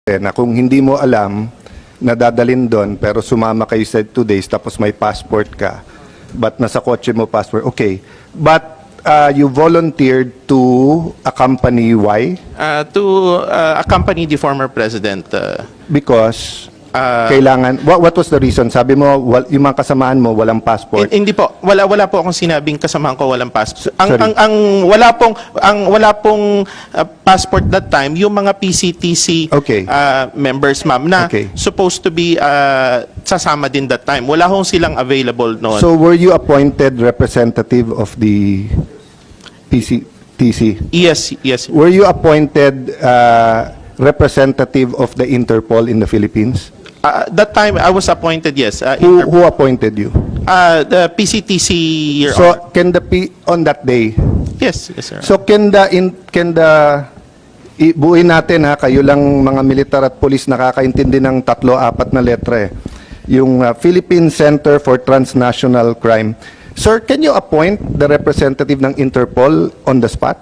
na kung hindi mo alam na dadalin doon pero sumama kayo sa 2 days tapos may passport ka, but nasa kotse mo passport, okay. But you volunteered to accompany, why? To accompany the former president. Because kailangan, what was the reason? Sabi mo, yung mga kasamaan mo walang passport. Hindi po, wala po akong sinabing kasamahan ko walang passport. Sorry. Wala pong passport that time yung mga PCTC Okay. members, ma'am, na Okay. supposed to be sasama din that time. Wala hong silang available noon. So were you appointed representative of the PCTC? Yes. Were you appointed representative of the Interpol in the Philippines? That time I was appointed, yes. Who appointed you? The PCTC, Your So Honor. can the on that day? Yes, sir. So can the ibuin natin ha, kayo lang mga militar at police nakakaintindi ng 3-4 na letra eh. Yung Philippine Center for Transnational Crime. Sir, can you appoint the representative ng Interpol on the spot?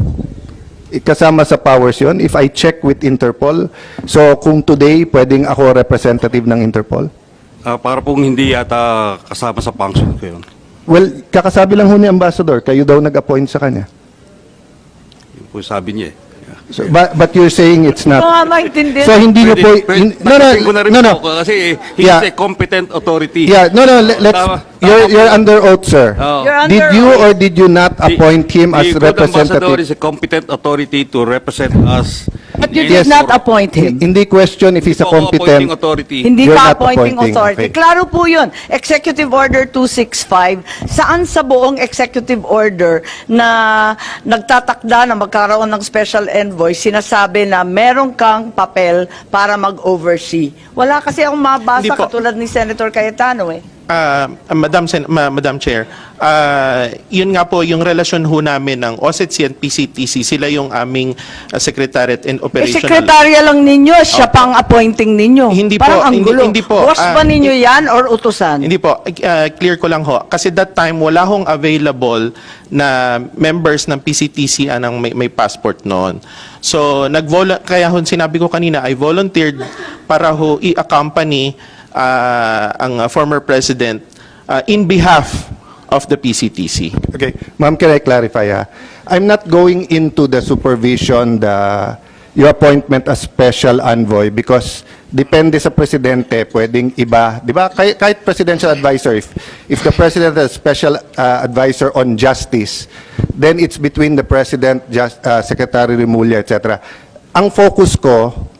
Kasama sa powers yun, if I check with Interpol. So kung today, pwedeng ako representative ng Interpol? Para pong hindi yata kasama sa function ko yun. Well, kakasabi lang ho ni Ambassador, kayo daw nag-appoint sa kanya. Yun po sabi niya eh. So, but you're saying it's not. maintindihan. So hindi nyo po, Tapusin ko na rin no. po kasi he Yeah. is a competent authority. Yeah, no, let's, Tama. you're under oath, sir. Oh. You're under Did you oath. or did you not appoint him as The good ambassador representative? is a competent authority to represent us. But you Yes. did not appoint him. Hindi question if he's a Appointing competent. authority. Hindi You're ka not appointing appointing, authority. okay. Klaro po yun. Executive Order 265, saan sa buong executive order na nagtatakda na magkaroon ng special envoy, sinasabi na meron kang papel para mag-oversee. Wala kasi akong mabasa Hindi po. katulad ni Senator Cayetano eh. Madam Chair, yun nga po yung relasyon ho namin ng OSETC and PCTC. Sila yung aming Secretariat and Eh, Operational. sekretarya lang ninyo, siya pang appointing ninyo. Hindi Parang po, ang gulo. hindi po. Boss ba ninyo yan or utusan? Hindi po, clear ko lang ho. Kasi that time, wala hong available na members ng PCTC anang may passport noon. So, kaya ho sinabi ko kanina, I volunteered para ho i-accompany ang former president in behalf of the PCTC. Okay, ma'am, can I clarify ha? I'm not going into the supervision, your appointment as special envoy because depende sa presidente, pwedeng iba, di ba? Kahit presidential advisor, if the president has special advisor on justice, then it's between the president, Secretary Remulla, etc. Ang focus ko